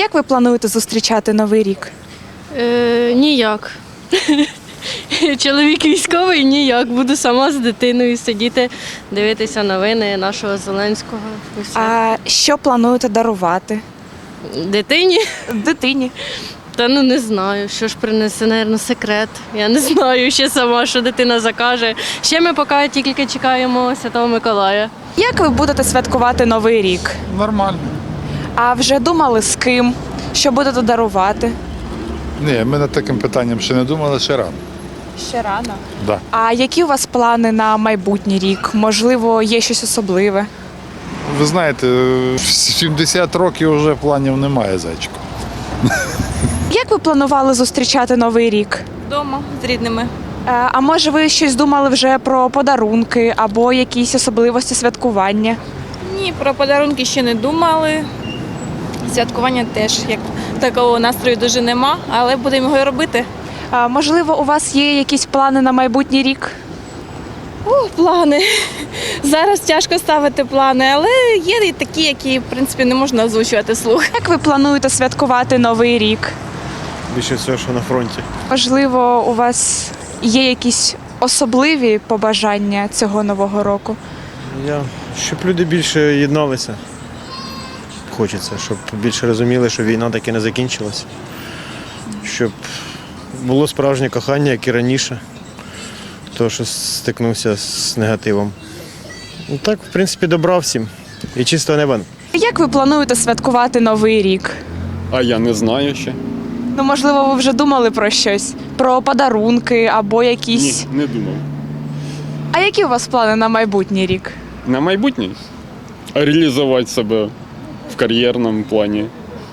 як ви плануєте зустрічати Новий рік? Ніяк. Чоловік військовий, ніяк. Буду сама з дитиною сидіти, дивитися новини нашого Зеленського. І все. А що плануєте дарувати Дитині? дитині? Та не знаю, що ж принесе, мабуть, секрет. Я не знаю ще сама, що дитина закаже. Ще ми поки тільки чекаємо Святого Миколая. Як ви будете святкувати Новий рік? Нормально. А вже думали з ким? Що будете дарувати? Ні, ми над таким питанням ще не думали, ще рано. Ще рано. Да. А які у вас плани на майбутній рік? Можливо, є щось особливе? Ви знаєте, в 70 років вже планів немає, зайчику. Як ви планували зустрічати Новий рік? Вдома з рідними. А може ви щось думали вже про подарунки або якісь особливості святкування? Ні, про подарунки ще не думали. Святкування теж, як такого настрою дуже нема, але будемо його робити. А, можливо, у вас є якісь плани на майбутній рік? Плани. Зараз тяжко ставити плани, але є і такі, які, в принципі, не можна озвучувати вслух. Як ви плануєте святкувати Новий рік? Більше всього, що на фронті. Можливо, у вас є якісь особливі побажання цього Нового року? Щоб люди більше єдналися. Хочеться, щоб більше розуміли, що війна таки не закінчилась. Щоб було справжнє кохання, як і раніше. То, що стикнувся з негативом. Ну, так, в принципі, добра всім. І чистого неба. Як ви плануєте святкувати Новий рік? А я не знаю ще. Ну, можливо, ви вже думали про щось? Про подарунки або якісь. Ні, не думав. А які у вас плани на майбутній рік? На майбутнє реалізувати себе в кар'єрному плані.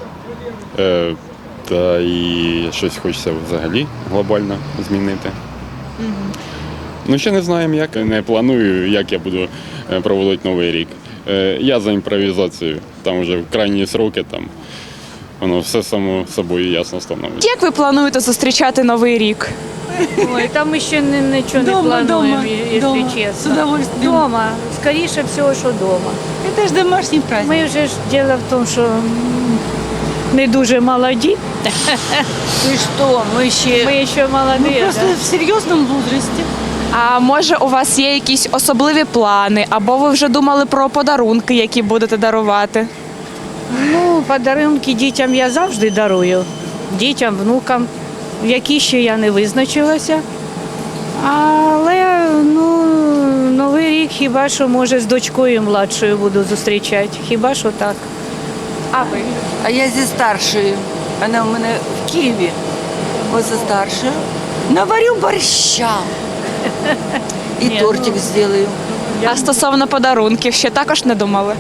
Та і щось хочеться взагалі глобально змінити. Ну, ще не знаємо як. Не планую, як я буду проводити Новий рік. Я за імпровізацію. Там вже в крайні сроки там воно все само собою ясно становиться. Як ви плануєте зустрічати Новий рік? Ой, там еще ничего не плануем, если честно. С удовольствием. Дома, скоріше всього, що дома. Это же домашний праздник. Ми вже ж діло в тому, що не дуже молоді. И что, мы ще... Ми ще молоді. Мы просто да. в серьезном возрасте. А може у вас є якісь особливі плани, або ви вже думали про подарунки, які будете дарувати? Ну, подарунки дітям я завжди дарую. Дітям, внукам, які ще я не визначилася. Але Новий рік хіба що, може, з дочкою младшою буду зустрічати. Хіба що так. А ви? А я зі старшою. Вона у мене в Києві. Ось за старшою. Наварю борща. І Ні, тортик зроблю. А стосовно подарунків ще також не думали?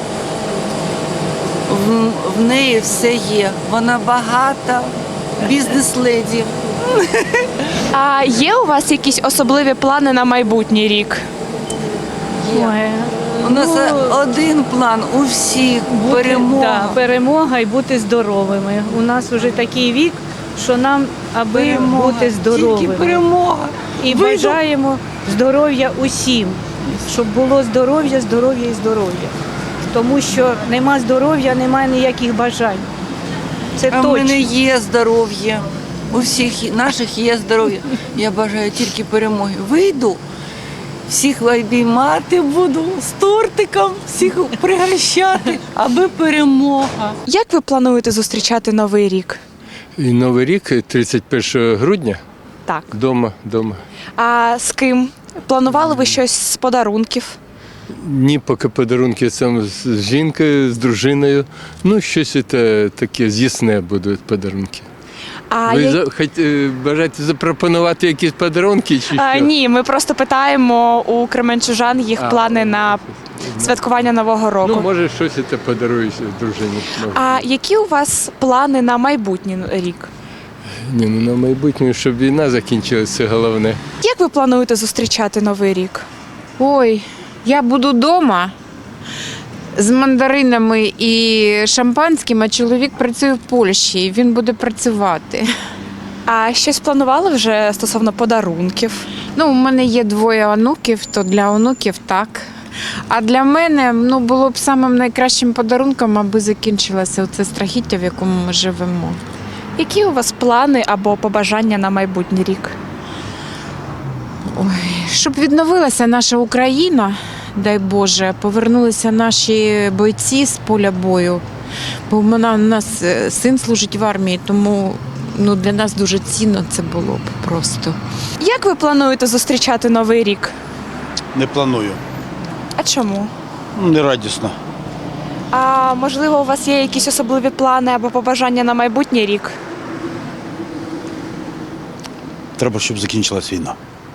В неї все є. Вона багата, бізнес-леді. А є у вас якісь особливі плани на майбутній рік? Ой, У нас один план у всіх – перемога. Да, перемога і бути здоровими. У нас вже такий вік, що нам аби Перемога. бути Тільки здоровими. перемога. І Вийду. бажаємо здоров'я усім, щоб було здоров'я, здоров'я і здоров'я. Тому що нема здоров'я, немає ніяких бажань. Це А в точно. мене є здоров'я. У всіх наших є здоров'я. Я бажаю тільки перемоги. Вийду, всіх обіймати буду з тортиком, всіх пригощати, аби перемога. Як ви плануєте зустрічати Новий рік? І Новий рік, 31 грудня, Так. дома. А з ким? Планували ви щось з подарунків? Ні, поки подарунки сам з жінкою, з дружиною. Ну, щось таке з'ясне будуть подарунки. А Ви я- бажаєте запропонувати якісь подарунки чи що? Ні, ми просто питаємо у кременчужан їх плани на святкування Нового року. Ну, може, щось подаруєш дружині. А які у вас плани на майбутній рік? Ні, ну на майбутнє, щоб війна закінчилася, це головне. Як ви плануєте зустрічати Новий рік? Ой, я буду вдома з мандаринами і шампанським, а чоловік працює в Польщі, і він буде працювати. А щось планували вже стосовно подарунків? Ну, у мене є 2 онуків, то для онуків так. А для мене було б самим найкращим подарунком, аби закінчилося це страхіття, в якому ми живемо. Які у вас плани або побажання на майбутній рік? Щоб відновилася наша Україна, дай Боже, повернулися наші бойці з поля бою. Бо у нас син служить в армії, тому для нас дуже цінно це було б просто. Як ви плануєте зустрічати Новий рік? Не планую. А чому? Не радісно. А можливо, у вас є якісь особливі плани або побажання на майбутній рік? Треба, щоб закінчилась війна.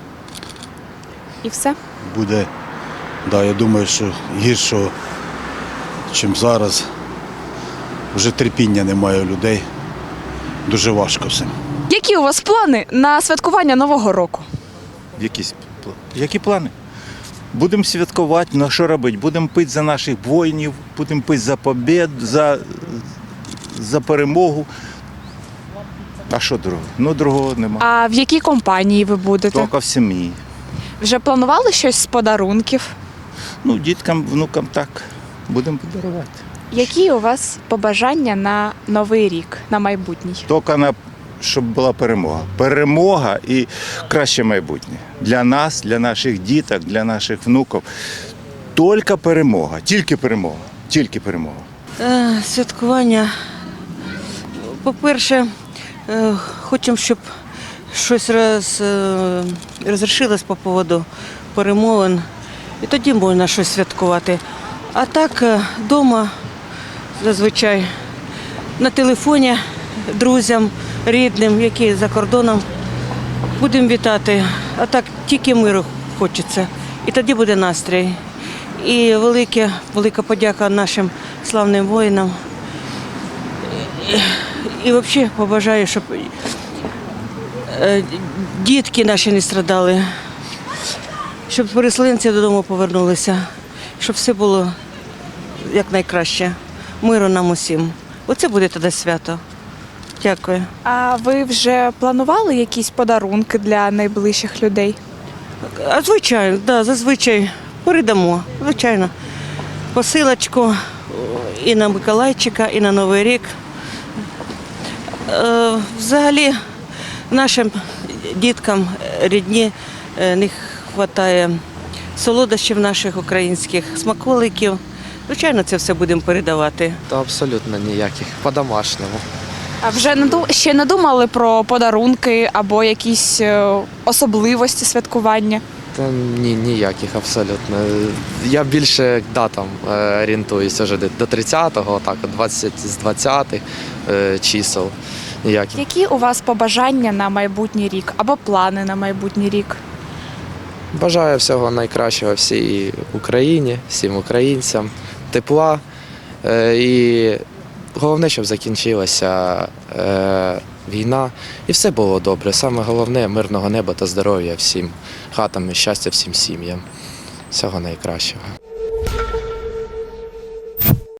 І все? Буде, я думаю, що гіршого, ніж зараз. Вже терпіння немає у людей. Дуже важко все. Які у вас плани на святкування Нового року? Які плани? Будемо святкувати, на що робити? Будемо пити за наших воїнів, будемо пити за побєд, за перемогу. А що другого? Другого нема. А в якій компанії ви будете? Тільки в сім'ї. Вже планували щось з подарунків? Діткам, внукам так. Будемо подарувати. Які у вас побажання на Новий рік, на майбутній? Тільки щоб була перемога. Перемога і краще майбутнє. Для нас, для наших діток, для наших внуків. Тільки перемога, тільки перемога, тільки перемога. Святкування. По-перше, хочемо, щоб щось розрішилось по поводу перемовин. І тоді можна щось святкувати. А так, вдома, зазвичай, на телефоні друзям, рідним, які за кордоном, будемо вітати. А так, тільки миру хочеться. І тоді буде настрій. І велика подяка нашим славним воїнам. І взагалі побажаю, щоб дітки наші не страдали, щоб переселенці додому повернулися, щоб все було якнайкраще. Миру нам усім. Оце буде тоді свято. Дякую. А ви вже планували якісь подарунки для найближчих людей? А звичайно, зазвичай передамо, звичайно. Посилочку і на Миколайчика, і на Новий рік. Взагалі нашим діткам рідні не вистачає солодощів наших українських, смаколиків. Звичайно, це все будемо передавати. Та абсолютно ніяких, по-домашньому. А вже ще не думали про подарунки або якісь особливості святкування? Та ніяких абсолютно. Я більше датам орієнтуюся вже до 30-го, так, з 20-х чисел. Ніяких. Які у вас побажання на майбутній рік або плани на майбутній рік? Бажаю всього найкращого всій Україні, всім українцям, тепла і головне, щоб закінчилася війна і все було добре. Саме головне – мирного неба та здоров'я всім хатам і щастя всім сім'ям. Всього найкращого.